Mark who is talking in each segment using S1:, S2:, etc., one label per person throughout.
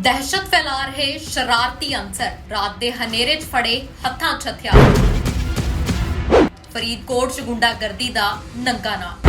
S1: दहशत फैला रहे शरारती अंसर रात दे हनेरे च फड़े हत्थां च हथियार। फरीदकोट च गुंडागर्दी दा नंगा नाम।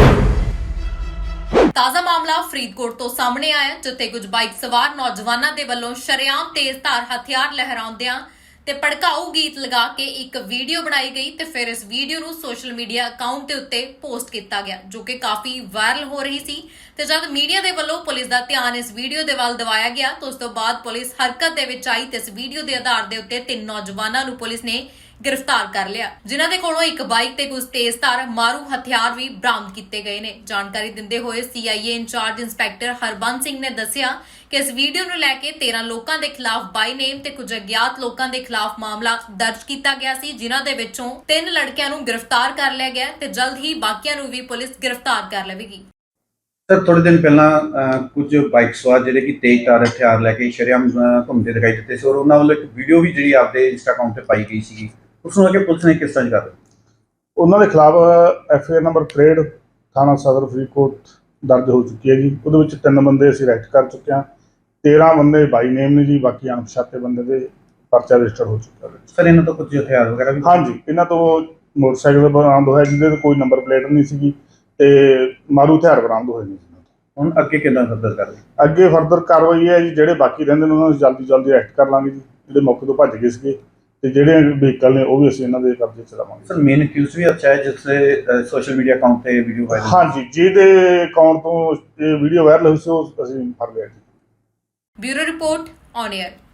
S1: ताज़ा मामला फरीदकोट तो सामने आया जिथे कुछ बाइक सवार नौजवानों के वलों शरेआम तेज धार हथियार लहराउंदियां ते भड़काऊ गीत लगा के एक वीडियो बनाई गई ते फिर इस वीडियो ਨੂੰ सोशल मीडिया अकाउंट ਦੇ ਉੱਤੇ पोस्ट ਕੀਤਾ ਗਿਆ जो कि काफी वायरल हो रही सी ਤੇ ਜਦ ਮੀਡੀਆ ਦੇ ਵੱਲੋਂ ਪੁਲਿਸ ਦਾ ਧਿਆਨ ਇਸ ਵੀਡੀਓ ਦੇ ਵੱਲ ਦਿਵਾਇਆ ਗਿਆ ਤਾਂ ਉਸ ਤੋਂ ਬਾਅਦ ਪੁਲਿਸ ਹਰਕਤ ਦੇ ਵਿੱਚ ਆਈ ਤੇ ਇਸ ਵੀਡੀਓ ਦੇ ਆਧਾਰ ਦੇ ਉੱਤੇ ਤਿੰਨ ਨੌਜਵਾਨਾਂ ਨੂੰ ਪੁਲਿਸ ਨੇ गिरफ्तार कर लिया जिन्हां दे कोलों एक बाइक ते कुछ तेज धार मारू हथियार भी बरामद किए गए ने। जानकारी दिंदे हुए CIA incharge inspector Harbans Singh ने दस्सिया कि इस वीडियो नूं लैके 13 लोकां दे खिलाफ बाई नेम ते कुछ अज्ञात लोकां दे खिलाफ मामला दर्ज किया गया सी जिन्हां दे विचों 3 लड़कियां नूं गिरफ्तार कर लिया गया ते जल्द ही बाकियां नूं भी पुलिस गिरफ्तार कर लवेगी।
S2: सर थोड़े दिन पहला कुछ बाइक सवार ਜਿਹੜੇ ਕਿ ਤੇਜ਼ ਧਾਰ ਹਥਿਆਰ ਲੈ ਕੇ ਸ਼ਰੇਆਮ ਘੁੰਮਦੇ ਦਿਖਾਈ ਦਿੱਤੇ ਸੀ ਔਰ ਉਹਨਾਂ ਵੱਲੋਂ ਇੱਕ ਵੀਡੀਓ ਵੀ ਜਿਹੜੀ ਆਪਦੇ ਇੰਸਟਾ ਅਕਾਊਂਟ ਤੇ ਪਾਈ ਗਈ ਸੀ ਉਸ ਨੂੰ ਆ ਕੇ ਪੁਲਿਸ ਨੇ ਕਿਸ ਤਰ੍ਹਾਂ ਕਰ
S3: ਉਹਨਾਂ ਦੇ ਖਿਲਾਫ ਐਫਆਈਆਰ ਨੰਬਰ 63 ਥਾਣਾ ਸਦਰ ਫਰੀਦਕੋਟ ਦਰਜ ਹੋ ਚੁੱਕੀ ਹੈ ਜੀ। ਉਹਦੇ ਵਿੱਚ 3 ਬੰਦੇ ਅਸੀਂ ਅਰੈਸਟ ਕਰ ਚੁੱਕੇ ਹਾਂ, 13 ਬੰਦੇ ਬਾਈ ਨੇਮ ਨੇ ਜੀ, ਬਾਕੀ ਅਣਪਛਾਤੇ ਬੰਦੇ ਦੇ ਪਰਚਾ ਰਜਿਸਟਰ ਹੋ ਚੁੱਕਾ ਹੈ।
S2: ਸਰ ਇਹਨਾਂ ਤੋਂ ਕੁਝ ਹਥਿਆਰ ਵਗੈਰਾ ਵੀ
S3: ਹਾਂਜੀ, ਇਹਨਾਂ ਤੋਂ ਮੋਟਰਸਾਈਕਲ ਬਰਾਮਦ ਹੋਇਆ ਜਿਹਦੇ ਤੇ ਕੋਈ ਨੰਬਰ ਪਲੇਟ ਨਹੀਂ ਸੀਗੀ ਤੇ ਮਾਰੂ ਹਥਿਆਰ ਬਰਾਮਦ ਹੋਏ ਨੇ।
S2: ਹੁਣ ਅੱਗੇ ਕਿੱਦਾਂ ਫਰਦਰ ਕਰ ਰਹੇ?
S3: ਅੱਗੇ ਫਰਦਰ ਕਾਰਵਾਈ ਹੈ ਜੀ, ਜਿਹੜੇ ਬਾਕੀ ਰਹਿੰਦੇ ਨੇ ਉਹਨਾਂ ਨੂੰ ਜਲਦੀ ਅਰੈਸਟ ਕਰ ਲਾਂਗੇ ਜੀ, ਜਿਹੜੇ ਮੌਕੇ ਤੋਂ ਭੱਜ ਗਏ ਸੀਗੇ ਤੇ ਜਿਹੜੇ ਵਹੀਕਲ ਨੇ ਉਹ ਵੀ ਅਸੀਂ ਇਹਨਾਂ ਦੇ ਕਬਜ਼ੇ 'ਚ ਲਵਾਂਗੇ।
S2: ਸਰ ਮੇਨ ਅਕਿਊਜ਼ ਵੀ ਅੱਛਾ ਹੈ ਜਿਸ ਦੇ ਸੋਸ਼ਲ ਮੀਡੀਆ ਅਕਾਊਂਟ ਤੇ ਵੀਡੀਓ ਵਾਇਰਲ
S3: ਹਾਂਜੀ, ਜਿਹਦੇ ਅਕਾਊਂਟ ਤੋਂ ਇਹ ਵੀਡੀਓ ਵਾਇਰਲ ਹੋਈ ਸੀ ਉਹ ਅਸੀਂ ਫੜ ਲਿਆ ਜੀ।
S1: Bureau report on air.